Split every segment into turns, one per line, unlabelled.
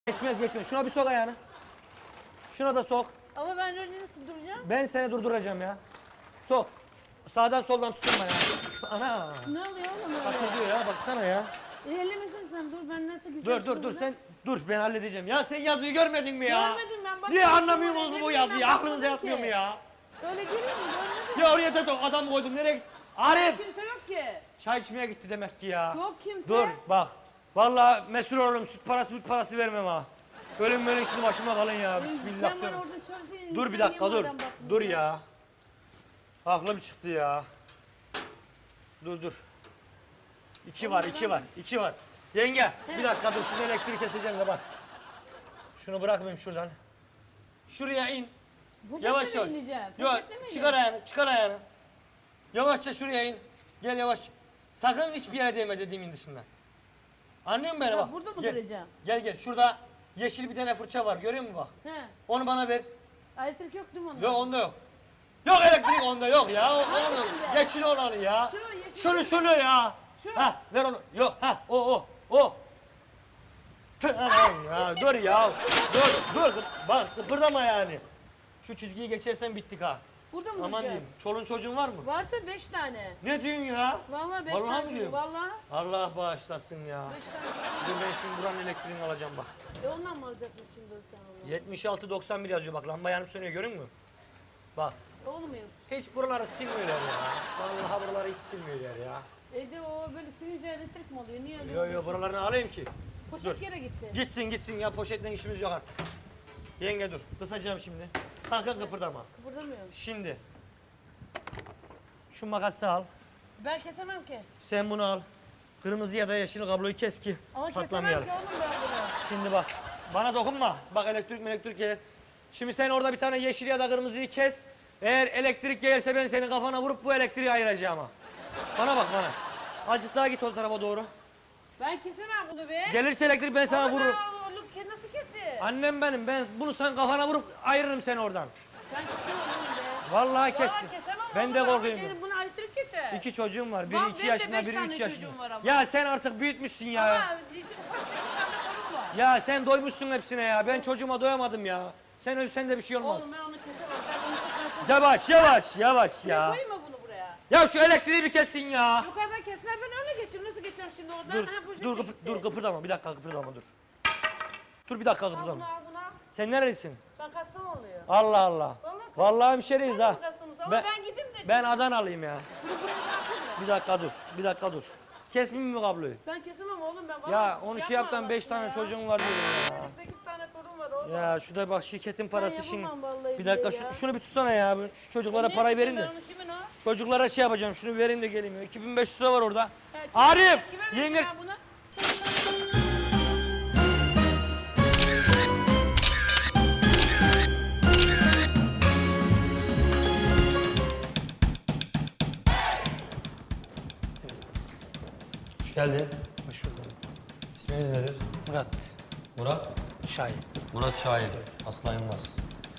Geçmez. Şuna bir sok ayağını. Şuna da sok.
Ama ben öyle nasıl duracağım?
Ben seni durduracağım ya. Sok. Sağdan soldan tutun bana. Ana.
Ne oluyor oğlum öyle?
Bak diyor ya, baksana ya.
Ellemesin sen, dur ben nasıl güzel
Dur sen dur, ben halledeceğim. Ya sen yazıyı görmedin mi ya?
Görmedim ben. Bak,
Niye anlamıyorsunuz
ellemedim,
bu yazıyı?
ben
Aklınıza
bakmadım
yatmıyor
ki.
mu ya?
Öyle geliyor mu? Görmedim.
Ya oraya da adam koydum, nereye gitti? Arif!
Kimse yok ki.
Çay içmeye gitti demek ki ya.
Yok kimse.
Dur bak. Vallahi mesul olurum, süt parası vermem ha. Ölüm böyle şimdi başıma kalın ya. Bismillah
Sen bana
diyorum.
orada söyleseydin.
Dur bir
sen
dakika
niye
dur.
madem bakmıyorsun?
Dur ya. Aklım çıktı ya. Dur. İki var. Yenge bir dakika dur, şunu elektriği keseceğim de bak. Şunu bırakmayayım şuradan. Şuraya in. Yavaş
Poşetle
yavaş.
mi ineceğim?
Yok,
Poşetle mi
çıkar ayağını. Yavaşça şuraya in. Gel yavaş. Sakın hiçbir yere değme dediğimin dışında. Anlıyor musun beni
Ya
bak?
burada mı
Gel.
duracağım?
Gel. Şurada yeşil bir tane fırça var, görüyor musun bak?
He.
Onu bana ver.
Elektrik yok değil mi onda?
Yok, onda yok. Yok, elektrik onda yok ya. Onu,
Hangisinde?
yeşil olanı ya.
Şu, yeşil
Şunu ya.
Şu.
Ha, ver onu. Yok, ha, o. Aman ya, dur ya. Dur. Bak, kıpırdama yani. Şu çizgiyi geçersen bittik ha.
Burada mı
Aman
duracağım?
diyeyim. Çolun çocuğun var mı?
Var tabii 5 tane.
Ne diyorsun ya?
Vallahi 5
Vallahi mi
tane çocuğum.
diyorum?
Vallahi
Allah bağışlasın ya.
5 tane.
Dur ben şimdi buranın elektriğini alacağım bak.
Ondan mı alacaksın şimdi sen onu?
76-91 yazıyor bak, lamba yanıp sönüyor, görüyor musun? Bak.
Olmuyor.
Hiç buraları silmiyorlar ya. Vallahi buraları hiç silmiyorlar ya.
De o böyle silince elektrik mi oluyor? Niye öyle?
Yo buralarını alayım ki.
Poşet
dur.
yere gitti.
Gitsin ya, poşetle işimiz yok artık. Yenge dur, kısacağım şimdi. Sakın kıpırdama.
Kıpırdamıyorum.
Şimdi. Şu makası al.
Ben kesemem ki.
Sen bunu al. Kırmızı ya da yeşil kabloyu kes ki
Ama kesemem
patlamayalım.
ki oğlum ben bunu.
Şimdi bak. Bana dokunma. Bak elektrik gelir. Şimdi sen orada bir tane yeşil ya da kırmızıyı kes. Eğer elektrik gelirse ben senin kafana vurup bu elektriği ayıracağım ha. Bana bak bana. Azıcık daha git o tarafa doğru.
Ben kesemem bunu be.
Gelirse elektrik ben sana
Ama
vururum.
ben oğlum nasıl kesin?
Annem benim. Ben bunu sen kafana vurup ayırırım seni oradan.
Ben kesemem oğlum be.
Vallahi kes.
Vallahi kesemem
Ben
oğlum.
de
Ama
korkuyorum.
canım, buna elektrik geçer.
2 çocuğum var.
Bak,
Biri 2
benim de
yaşında,
5
biri
tane
3 yaşında.
çocuğum var ama.
Ya sen artık büyütmüşsün ya.
Ama için ufak 8 tane torun var.
Ya sen doymuşsun hepsine ya. Ben çocuğuma doyamadım ya. Sen ölsen de bir şey olmaz.
Oğlum ben onu kesemem. Sen onu kesersin.
Yavaş
Ya.
ya.
Koyayım mı bunu buraya?
Ya şu elektriği bir kessin ya.
Yukarıdan keser ben öyle geçeyim. Nasıl geçeceğim şimdi oradan?
Dur,
Ha, poşet
dur,
de gitti.
dur kıpırdama. Bir dakika kıpırdama dur. Dur bir dakika
Al bunu
kıpırdama.
al bunu al.
Sen nerelisin?
Ben Kastamonluyum.
Allah Allah. Vallahi hemşeriyiz ha.
Ama ben gideyim de.
Ben Adanalıyım ya.
Bunu buraya bırakayım mı?
Bir dakika dur. Kesmeyeyim mi kabloyu?
Ben kesemem oğlum ben.
Ya
Vallahi
onu
şey
şey yaptan
yapma
5
Allah
tane
aşkına
çocuğun var diyorum ya.
8 tane torun var oğlum.
Ya şurada bak, şirketin parası şimdi.
yapamam vallahi
Bir dakika
billahi ya.
şunu bir tutsana ya. Şu çocuklara
Niye
parayı
tutayım
verin de.
Ben onu kimin o?
Çocuklara şey yapacağım. Şunu vereyim de geleyim ya. 2500 lira var orada.
Ya,
Arif!
Kime vereyim
Yenge...
ben bunu?
Hoş geldin. Hoş bulduk. İsminiz nedir?
Murat
Murat.
Şahin.
Murat Şahin. Aslan Yılmaz.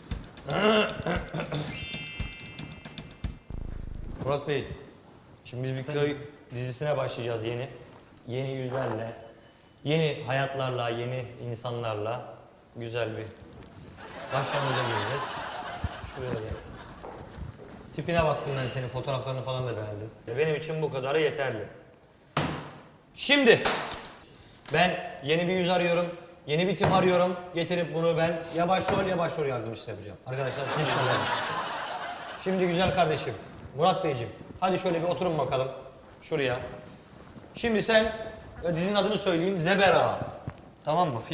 Murat Bey, şimdi biz bir köy dizisine başlayacağız yeni. Yeni yüzlerle, yeni hayatlarla, yeni insanlarla güzel bir başlangıca gireceğiz. Şuraya gel. Tipine baktım ben, senin fotoğraflarını falan da beğendim. Benim için bu kadarı yeterli. Şimdi ben yeni bir yüz arıyorum, yeni bir tip arıyorum. Getirip bunu ben ya başrol yardımcısı yapacağım. Arkadaşlar size Şimdi güzel kardeşim, Murat Beyciğim, hadi şöyle bir oturun bakalım şuraya. Şimdi sen, dizinin adını söyleyeyim, Zebera. Tamam mı?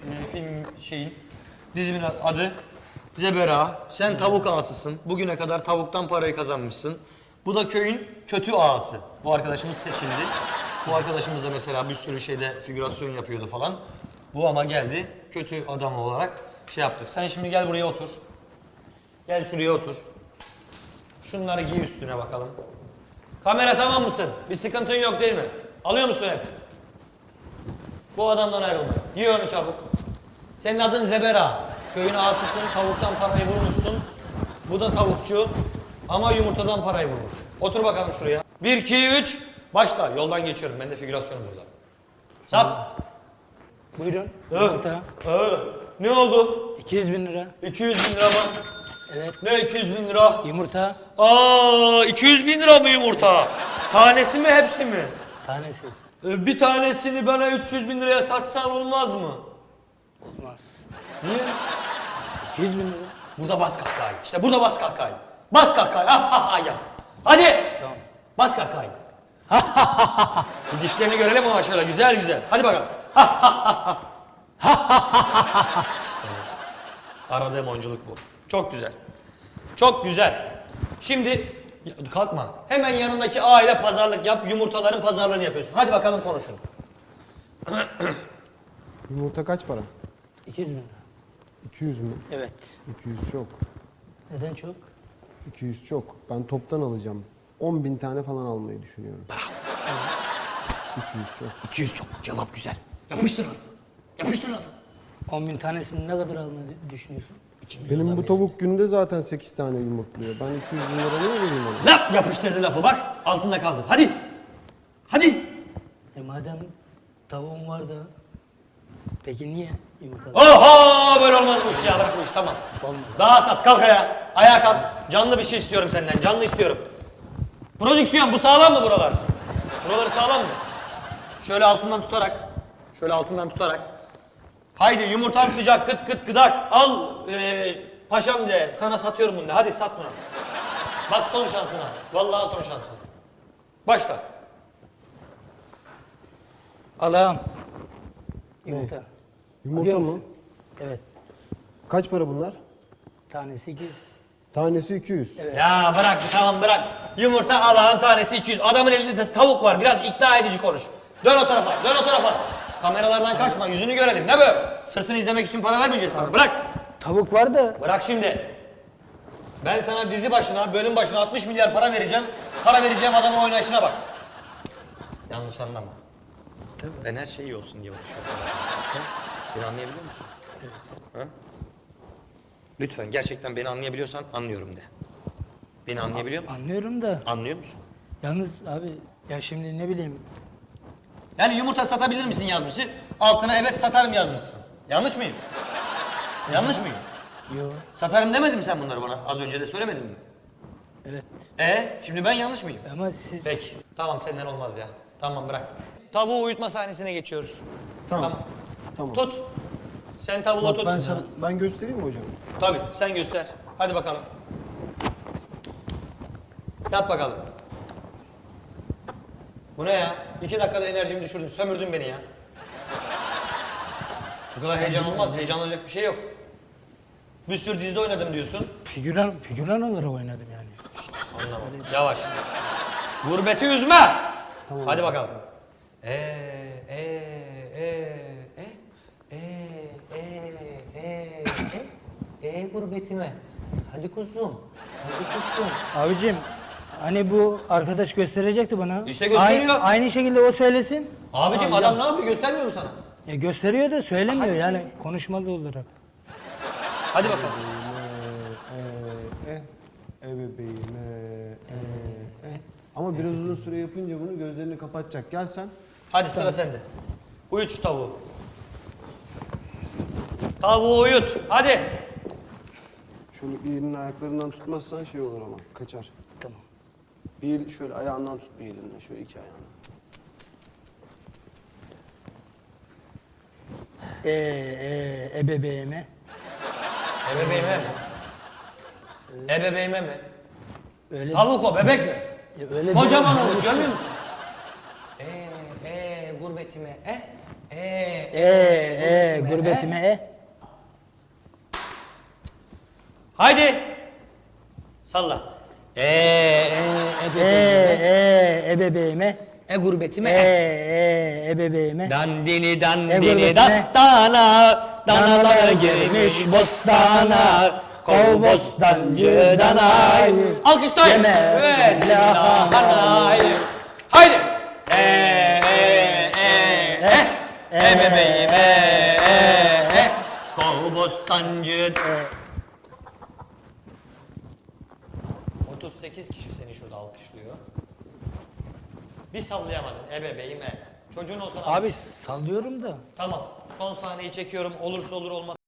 Dizimin adı Zebera. Sen tavuk ağasısın. Bugüne kadar tavuktan parayı kazanmışsın. Bu da köyün kötü ağası. Bu arkadaşımız seçildi. Bu arkadaşımız da mesela bir sürü şeyde figürasyon yapıyordu falan. Bu ama geldi, kötü adam olarak şey yaptık. Sen şimdi gel buraya otur. Gel şuraya otur. Şunları giy üstüne bakalım. Kamera tamam mısın? Bir sıkıntın yok değil mi? Alıyor musun hep? Bu adamdan ayrılma. Giy onu çabuk. Senin adın Zebera. Köyün ağasısın, tavuktan parayı vurmuşsun. Bu da tavukçu ama yumurtadan parayı vurmuş. Otur bakalım şuraya. 1, 2, 3, başla. Yoldan geçiyorum. Ben de figürasyonum burada. Sat.
Buyurun. Yumurta.
Ne oldu?
200 bin lira.
200 bin lira mı?
Evet.
Ne 200 bin lira?
Yumurta.
200 bin lira mı yumurta? Tanesi mi hepsi mi?
Tanesi.
Bir tanesini bana 300 bin liraya satsan olmaz mı?
Olmaz.
Niye?
200 bin lira.
Burada bas kahkahayı. İşte burada bas kahkahayı. Bas kahkahayı. Ha ha ha yap. Hadi.
Tamam.
Bas kahkahayı. Bir dişlerini görelim ama şöyle güzel güzel. Hadi bakalım. İşte aradığım oyunculuk bu. Çok güzel. Çok güzel. Şimdi kalkma. Hemen yanındaki aile pazarlık yap. Yumurtaların pazarlığını yapıyorsun. Hadi bakalım konuşun.
Yumurta kaç para?
200 bin lira.
200 mü?
Evet.
200 çok.
Neden çok?
200 çok. Ben toptan alacağım. 10 bin tane falan almayı düşünüyorum. 200 çok.
200 çok. Cevap güzel. Yapıştır lafı. Yapıştır lafı.
10 bin tanesini ne kadar almayı düşünüyorsun?
Benim bu tavuk günde zaten 8 tane yumurtluyor. Ben 200 bin lira ne vereyim ona?
Laf yapıştırdı lafı bak. Altında kaldı. Hadi. Hadi.
Madem tavuğum var da peki niye yumurta?
Oho böyle olmaz bu iş ya. Bırak bu iş tamam.
Olmaz.
Daha sat kalk ayağa. Ayağa kalk. Canlı bir şey istiyorum senden. Canlı istiyorum. Prodüksiyon bu sağlam mı buralar? Buraları sağlam mı? Şöyle altından tutarak. Şöyle altından tutarak. Haydi yumurtam sıcak kıt kıt gıdak. Al paşam de sana satıyorum bunu de. Hadi sat bunu. Bak son şansına. Vallahi son şansın. Başla.
Allah'ım. Yumurta.
Yumurta
Biliyor
mı?
musun? Evet.
Kaç para bunlar?
Tanesi 200.
Tanesi 200.
Evet.
Ya bırak tamam bırak. Yumurta Allah'ın tanesi 200. Adamın elinde de tavuk var. Biraz ikna edici konuş. Dön o tarafa, dön o tarafa. Kameralardan kaçma, yüzünü görelim. Ne böyle? Sırtını izlemek için para vermeyeceğiz sana. Bırak.
Tavuk var da
Bırak şimdi. Ben sana dizi başına, bölüm başına 60 milyar para vereceğim. Para vereceğim adamın oynayışına bak. Yanlış anlama. Ben her şey iyi olsun diye uğraşıyorum. Beni anlayabiliyor musun? Ha? Lütfen gerçekten beni anlayabiliyorsan anlıyorum de. Beni anlayabiliyor musun?
anlıyorum da
Anlıyor musun?
yalnız abi ya şimdi ne bileyim
Yani yumurta satabilir misin yazmışsın. Altına evet satarım yazmışsın. Yanlış mıyım? Yanlış mıyım?
yo
Satarım demedin mi sen bunları bana? Az önce de söylemedin mi?
evet
Şimdi ben yanlış mıyım?
ama siz
Peki. Tamam senden olmaz ya. Tamam bırak. Tavuğu uyutma sahnesine geçiyoruz.
Tamam. Tamam.
Tut. Sen tavuğu
Bak
tut.
ben göstereyim mi hocam?
Tabii sen göster. Hadi bakalım. Yat bakalım. Bu ne ya? 2 dakikada enerjimi düşürdün. Sömürdün beni ya. Bu kadar heyecan olmaz. Heyecanlanacak bir şey yok. Bir sürü dizide oynadım diyorsun.
figüran olarak oynadım yani.
Anlamadım. Yavaş. Gurbeti üzme.
Tamam.
Hadi bakalım. Gurbetime. Hadi kuzum. Hadi kuşum.
Abicim hani bu arkadaş gösterecekti bana.
İşte gösteriyor.
Aynı şekilde o söylesin.
Abicim
Tamam,
adam ne yapıyor? Göstermiyor mu sana?
Ya gösteriyor da söylemiyor
Hadi
yani
söyle.
konuşmalı olarak.
Hadi bakalım.
Bebeğim. Ama biraz uzun süre yapınca bunu gözlerini kapatacak. Gel sen.
Hadi sıra sende. Uyut şu tavuğu. Tavuğu uyut. Hadi.
Şöyle bir elinin ayaklarından tutmazsan şey olur ama kaçar.
Tamam.
Bir el şöyle ayağından tut bir elinden. Şöyle iki ayağından.
Ebebeğime.
Ebebeğime mi? Ebebeğime mi?
Öyle
Tavuk o, bebek mi?
Ya öyle
Kocaman
değil.
olmuş, görmüyor musun? Gurbetime,
gurbetime
Haydi. Salla.
ebebeğime
Gurbetime,
ebebeğime
Dandini dandini
gurbetime.
dastana, danalar girmiş bostana, kov bostancı danay. Alkışlayın.
Yeme
Ve silahlanay. Haydi. Bebeğim kov bostancı. 38 kişi seni şurada alkışlıyor. Bir sallayamadın ebebeğime. Çocuğun olsa ne
Abi sallıyorum da.
Tamam. Son sahneyi çekiyorum. Olursa olur olmaz.